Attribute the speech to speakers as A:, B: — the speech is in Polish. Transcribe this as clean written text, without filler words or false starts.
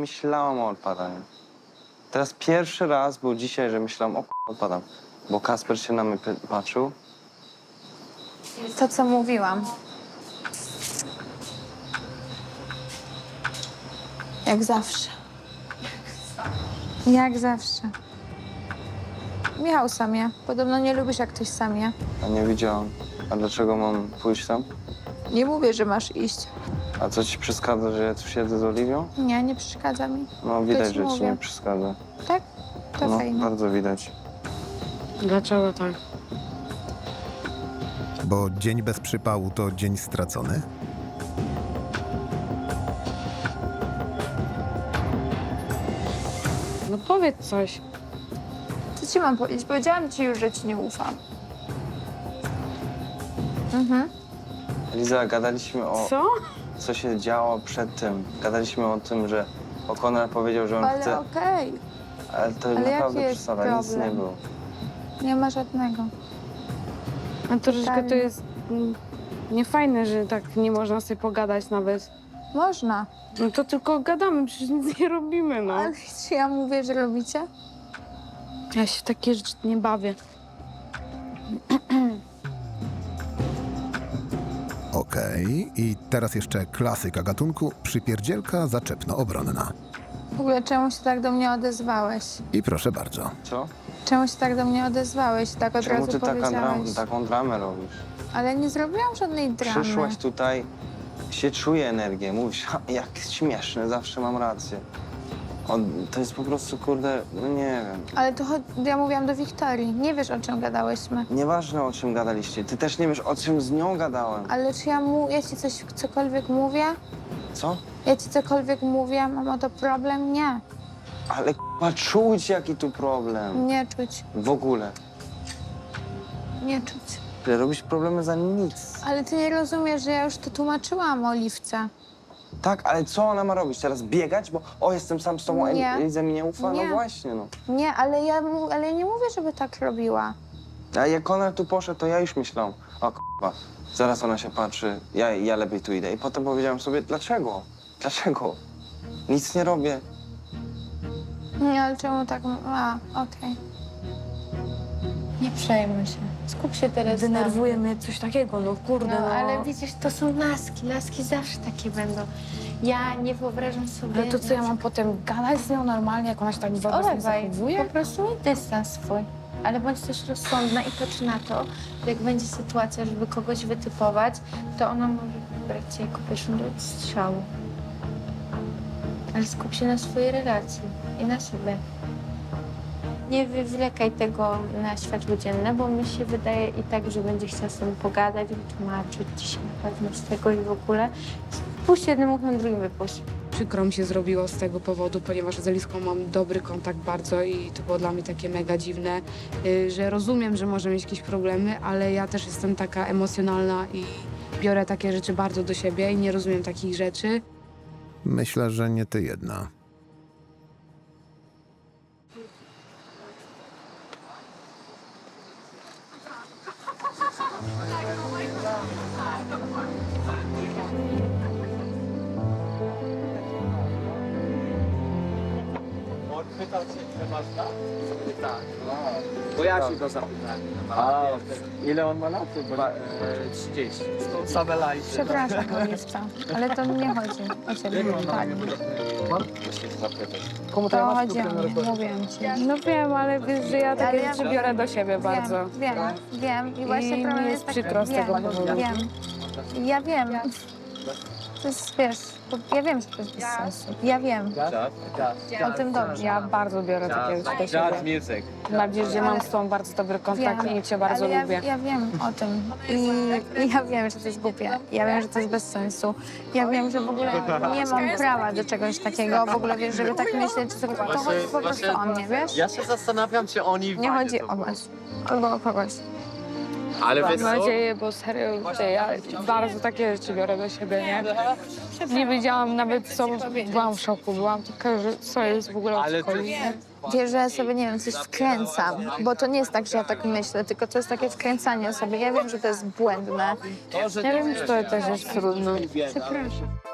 A: myślałam o odpadaniu. Teraz pierwszy raz był dzisiaj, że myślałam, odpadam. Bo Kasper się na mnie patrzył.
B: To, co mówiłam. Jak zawsze. Jak zawsze. Michał sam je. Podobno nie lubisz, jak ktoś sam je.
A: A nie widziałam. A dlaczego mam pójść tam?
B: Nie mówię, że masz iść.
A: A co ci przeszkadza, że ja tu siedzę z Oliwią?
B: Nie, nie przeszkadza mi.
A: No widać,
B: ci
A: że ci
B: mówię.
A: nie przeszkadza.
B: Tak? To
A: No,
B: fajnie.
A: bardzo widać.
C: Dlaczego tak?
D: Bo dzień bez przypału to dzień stracony?
C: No powiedz coś.
B: Co ci mam powiedzieć? Powiedziałam ci już, że ci nie ufam.
A: Liza, gadaliśmy o...
C: Co?
A: co się działo przed tym. Gadaliśmy o tym, że O'Connor powiedział, że on
B: Ale
A: chce...
B: okej.
A: Ale to
B: Ale
A: naprawdę
B: jaki jest
A: przesada, nic nie
B: problem?
A: było.
B: Nie ma żadnego.
C: A troszeczkę to
B: Totalnie.
C: jest niefajne, że tak nie można sobie pogadać nawet.
B: Można.
C: No to tylko gadamy, przecież nic nie robimy, no.
B: Ale czy ja mówię, że robicie?
C: Ja się w takie rzeczy nie bawię.
D: Okej. I teraz jeszcze klasyka gatunku, przypierdzielka zaczepno-obronna.
B: W ogóle czemu się tak do mnie odezwałeś?
D: I proszę bardzo.
A: Co?
B: Czemu się tak do mnie odezwałeś? Tak od
A: Czemu
B: razu
A: ty
B: powiedziałeś.
A: taką dramę robisz?
B: Ale nie zrobiłam żadnej dramy.
A: Przyszłaś tutaj, się czuje energię, mówisz, jak śmieszne, zawsze mam rację. To jest po prostu, kurde, no nie wiem.
B: Ale to ja mówiłam do Wiktorii. Nie wiesz, o czym gadałyśmy.
A: Nieważne, o czym gadaliście. Ty też nie wiesz, o czym z nią gadałem.
B: Ale czy ja ci cokolwiek mówię?
A: Co?
B: Ja ci cokolwiek mówię? Mam o to problem? Nie.
A: Ale czuć, jaki tu problem.
B: Nie czuć.
A: W ogóle.
B: Nie czuć.
A: Ty robisz problemy za nic.
B: Ale ty nie rozumiesz, że ja już to tłumaczyłam Oliwce.
A: Tak, ale co ona ma robić? Teraz biegać? Bo jestem sam z tobą,
B: Nie.
A: Eliza mi nie ufa?
B: Nie.
A: No właśnie, no.
B: Nie, ale ja nie mówię, żeby tak robiła.
A: A jak ona tu poszedł, to ja już myślałam, o k***a, zaraz ona się patrzy, ja lepiej tu idę. I potem powiedziałem sobie, dlaczego? Dlaczego? Nic nie robię.
B: Nie, ale czemu tak... okej. Nie przejmuj się. Skup się teraz
C: Denerwuje mnie coś takiego, no kurde,
E: No,
C: no.
E: ale widzisz, to są laski. Laski zawsze takie będą. Ja nie wyobrażam sobie...
C: Ale to co, ja mam potem gadać z nią normalnie, jak ona się tak wobec mnie
E: Olewaj,
C: zachowuje?
E: po prostu miej dystans swój. Ale bądź też rozsądna i patrz na to, że jak będzie sytuacja, żeby kogoś wytypować, to ona może wybrać cię jako pierwszą do strzału. Ale skup się na swojej relacji i na sobie. Nie wywlekaj tego na światło dzienne, bo mi się wydaje i tak, że będzie chciała z tobą pogadać, wytłumaczyć ci się na pewno z tego i w ogóle. Puść jednym uchem, drugim wypuść.
C: Przykro mi się zrobiło z tego powodu, ponieważ z Eliską mam dobry kontakt bardzo i to było dla mnie takie mega dziwne, że rozumiem, że może mieć jakieś problemy, ale ja też jestem taka emocjonalna i biorę takie rzeczy bardzo do siebie i nie rozumiem takich rzeczy.
D: Myślę, że nie ty jedna.
F: Pytał cię, ile masz lat? Tak. Bo ja się go zapytałem. A ile on ma lat? 30. Same lajki.
B: Przepraszam, Oliwca, ale to nie chodzi o ciebie. Tak.
F: Właśnie to zapytać.
B: To chodzi o mnie, mówiłam ci.
C: No wiem, ale wiesz, że ja takie
B: Ale ja-
C: rzeczy biorę do siebie bardzo.
B: Wiem. I właśnie
C: I
B: problem
C: mi
B: jest
C: jest
B: taki...
C: przykro z tego powodu.
B: Ja wiem. To jest, wiesz, ja wiem, że to jest bez sensu. Ja wiem. O tym dobrze.
C: Ja bardzo biorę takie rzeczy do
F: Jazz
C: siebie.
F: music.
C: Tym bardziej, że mam z tobą bardzo dobry kontakt i cię bardzo
B: ale
C: lubię.
B: Ja wiem o tym. I ja wiem, że to jest głupie. Ja wiem, że to jest bez sensu. Ja wiem, że w ogóle nie mam prawa do czegoś takiego. W ogóle, wiesz, żeby tak myśleć, to chodzi po prostu o mnie, wiesz?
F: Ja się zastanawiam, czy oni...
B: Nie chodzi o was. Albo o kogoś.
F: Ale
C: Mam
F: wiesz co?
C: nadzieję, bo serio, ja bardzo takie rzeczy biorę do siebie, nie? Nie wiedziałam nawet co, byłam w szoku, byłam taka, że co jest w ogóle
F: Ale
C: w szkole.
B: Wiesz, że ja sobie, nie wiem, coś wkręcam. Bo to nie jest tak, że ja tak myślę, tylko to jest takie wkręcanie sobie. Ja wiem, że to jest błędne.
C: Ja wiem, że to też jest trudne.
B: Przepraszam.